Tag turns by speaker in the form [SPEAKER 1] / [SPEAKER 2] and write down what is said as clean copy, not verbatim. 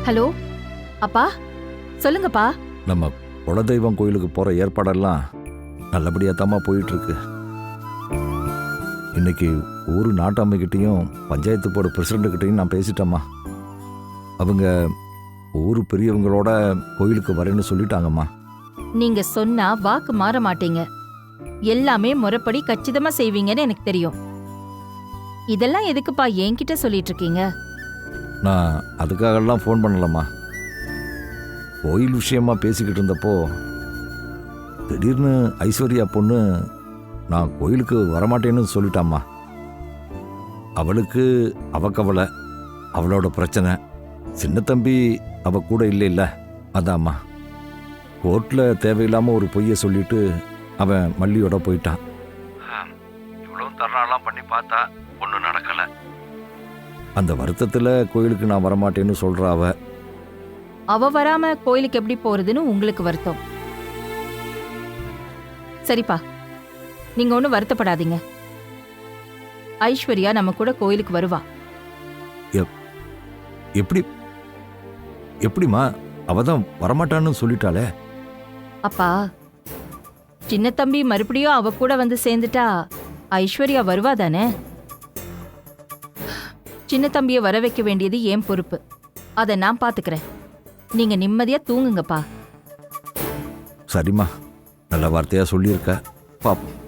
[SPEAKER 1] Hello அப்பா, சொல்லுங்கப்பா.
[SPEAKER 2] நம்ம குலதெய்வம் கோயிலுக்கு போற ஏற்பாடெல்லாம் நல்லபடியா தாம்மா போயிட்டு இருக்கு. இன்னைக்கு ஊர் நாட்டாமைக்கிட்டையும் பஞ்சாயத்து போர்டு பிரசிடண்ட்டுக்கிட்டையும் நான் பேசிட்டேம்மா. அவங்க ஊர் பெரியவங்களோட கோயிலுக்கு வரேன்னு சொல்லிட்டாங்கம்மா.
[SPEAKER 1] நீங்க சொன்னா வாக்கு மாற மாட்டீங்க. எல்லாமே முறைப்படி கச்சிதமா செய்வீங்கன்னு எனக்கு தெரியும். இதெல்லாம் எதுக்குப்பா என்கிட்ட சொல்லிட்டு இருக்கீங்க?
[SPEAKER 2] நான் அதுக்காகலாம் ஃபோன் பண்ணலம்மா. கோயில் விஷயமா பேசிக்கிட்டு இருந்தப்போ திடீர்னு ஐஸ்வர்யா பொண்ணு நான் கோயிலுக்கு வரமாட்டேன்னு சொல்லிட்டாம்மா. அவளுக்கு அவ கவலை, அவளோட பிரச்சனை. சின்ன தம்பி அவ கூட இல்லை இல்லை, அதாம்மா. கோர்ட்டில் தேவையில்லாமல் ஒரு பொய்யை சொல்லிட்டு அவன் மல்லியோட போயிட்டான். இவ்வளோ தர்றாலாம் பண்ணி பார்த்தா ஒன்றும் நடக்கலை. அந்த வருத்தத்தில் கோயிலுக்கு நான் வரமாட்டேன்னு சொல்கிறா அவ.
[SPEAKER 1] அவ வராம கோயிலுக்கு எப்படி போறதுன்னு உங்களுக்கு வருத்தம். சரிப்பா, நீங்க ஒன்னும் வருத்தப்படாதீங்க. ஐஸ்வர்யா நம்ம கூட கோயிலுக்கு வருவா.
[SPEAKER 2] எப்படி எப்படிம்மா? அவதான் வரமாட்டான்னு சொல்லிட்டாளே.
[SPEAKER 1] அப்பா, சின்ன தம்பி மறுபடியும் அவ கூட வந்து சேர்ந்துட்டா ஐஸ்வர்யா வருவா தானே? சின்ன தம்பிய வர வைக்க வேண்டியது என் பொறுப்பு. அதை நான் பாத்துக்கிறேன். நீங்க நிம்மதியா தூங்குங்கப்பா.
[SPEAKER 2] சரிம்மா, நல்ல வார்த்தையா சொல்லியிருக்க. பாப்போம்.